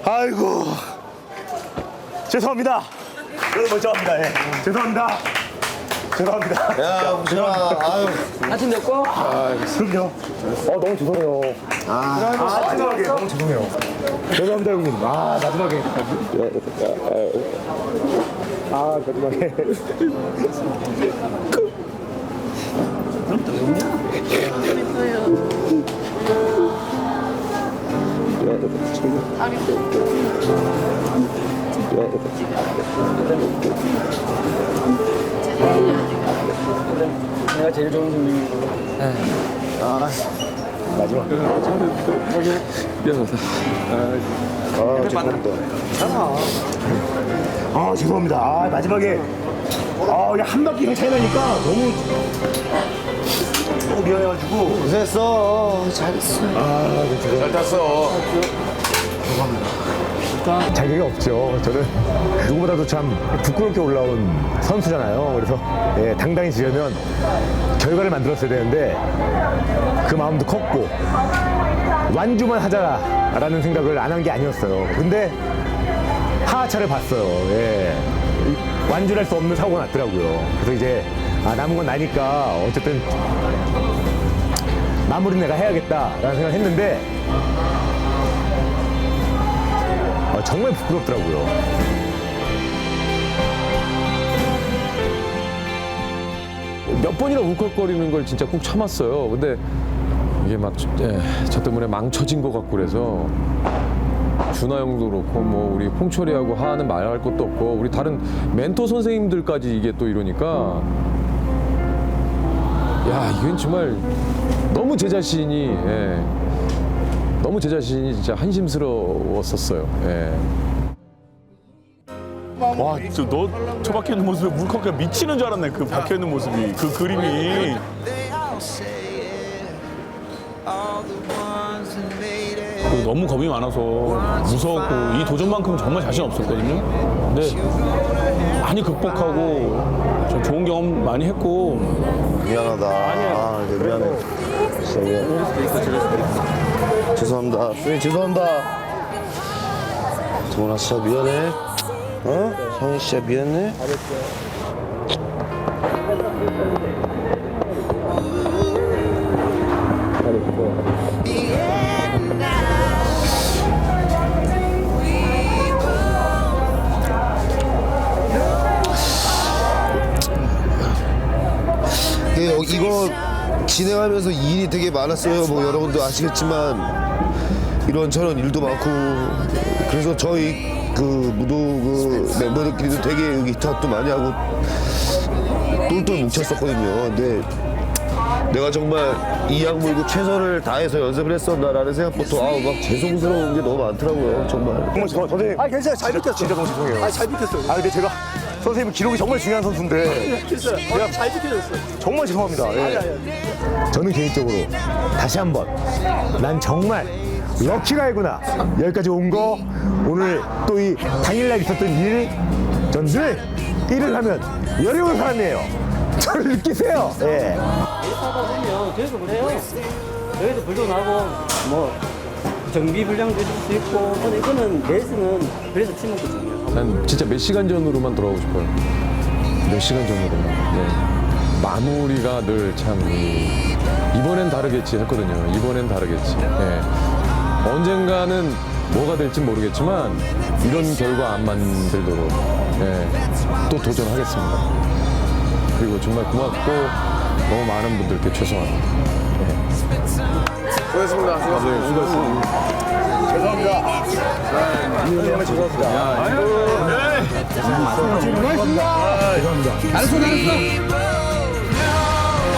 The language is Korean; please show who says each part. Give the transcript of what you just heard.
Speaker 1: 아이고. 죄송합니다. 여러분 멀쩡합니다. 예. 죄송합니다. 죄송합니다.
Speaker 2: 야, 웅진아. 아유.
Speaker 3: 아침 됐고?
Speaker 1: 그럼요. 너무 죄송해요. 마지막에 너무 죄송해요. 죄송합니다, 형님. 마지막에. 마지막에.
Speaker 3: 내가 제일 좋은 선생님이고.
Speaker 1: 마지막.
Speaker 2: 미안하다.
Speaker 1: 죄송합니다. 죄송합니다. 마지막에. 그냥 한 바퀴 차이 나니까 너무 미안해가지고.
Speaker 2: 고생했어. 잘했어.
Speaker 1: 잘 탔어. 자격이 없죠. 저는 누구보다도 참 부끄럽게 올라온 선수잖아요. 그래서 당당히 지려면 결과를 만들었어야 되는데 그 마음도 컸고 완주만 하자라는 생각을 안 한 게 아니었어요. 근데 하하차를 봤어요. 완주를 할 수 없는 사고가 났더라고요. 그래서 이제 남은 건 나니까 어쨌든 마무리 내가 해야겠다라는 생각을 했는데 정말 부끄럽더라고요.
Speaker 4: 몇 번이나 울컥거리는 걸 진짜 꾹 참았어요. 근데 이게 막 저 때문에 망쳐진 것 같고 그래서 준하 형도 그렇고 뭐 우리 홍철이하고 하하는 말할 것도 없고 우리 다른 멘토 선생님들까지 이게 또 이러니까 야 이건 정말 너무 제 자신이 너무 제 자신이 진짜 한심스러웠었어요.
Speaker 5: 와, 너 박혀 있는 모습에 물컵에 미치는 줄 알았네. 그 박혀 있는 모습이, 그 그림이. 너무 겁이 많아서 무서웠고 이 도전만큼 정말 자신 없었거든요. 근데 많이 극복하고 좀 좋은 경험 많이 했고.
Speaker 2: 미안하다. 미안해. 진짜 미안해. 죄송합니다. 선생님, 죄송합니다. 동원아, 진짜 미안해. 형이 진짜 미안해. 이거 진행하면서 일이 되게 많았어요. 뭐 여러분도 아시겠지만 이런저런 일도 많고 그래서 저희 그 무도 그 멤버들끼리도 되게 의기투합도 많이 하고 똘똘 뭉쳤었거든요. 근데 내가 정말 이 약물고 최선을 다해서 연습을 했었나라는 생각부터 막 죄송스러운 게 너무 많더라고요. 정말.
Speaker 1: 선생님.
Speaker 3: 괜찮아요. 잘 비켰어.
Speaker 1: 진짜 너무 죄송해요.
Speaker 3: 잘 비켰어요.
Speaker 1: 근데 제가 선생님 기록이 정말 중요한 선수인데
Speaker 3: 그냥 잘 비켜줬어요.
Speaker 1: 정말 죄송합니다. 저는 개인적으로 다시 한번 난 정말 럭키가이구나. 여기까지 온 거 오늘 또 이 당일날 있었던 일 전 늘 일을 하면 열이 오는 사람이에요. 저를 느끼세요.
Speaker 3: 하다 보면 저희도 그래요. 저희도 불도 나고 뭐 정비 불량도 있을 수 있고 근데 이거는 레이스는 그래서 팀워크잖아요.
Speaker 4: 난 진짜 몇 시간 전으로만 돌아가고 싶어요. 몇 시간 전으로만. 마무리가 늘 참 이번엔 다르겠지 했거든요. 이번엔 다르겠지. 언젠가는 뭐가 될지 모르겠지만 이런 결과 안 만들도록 또 도전하겠습니다. 그리고 정말 고맙고 너무 많은 분들께 죄송합니다.
Speaker 2: 수고했습니다.
Speaker 1: 죄송합니다. 죄송합니다.
Speaker 3: 잘했어.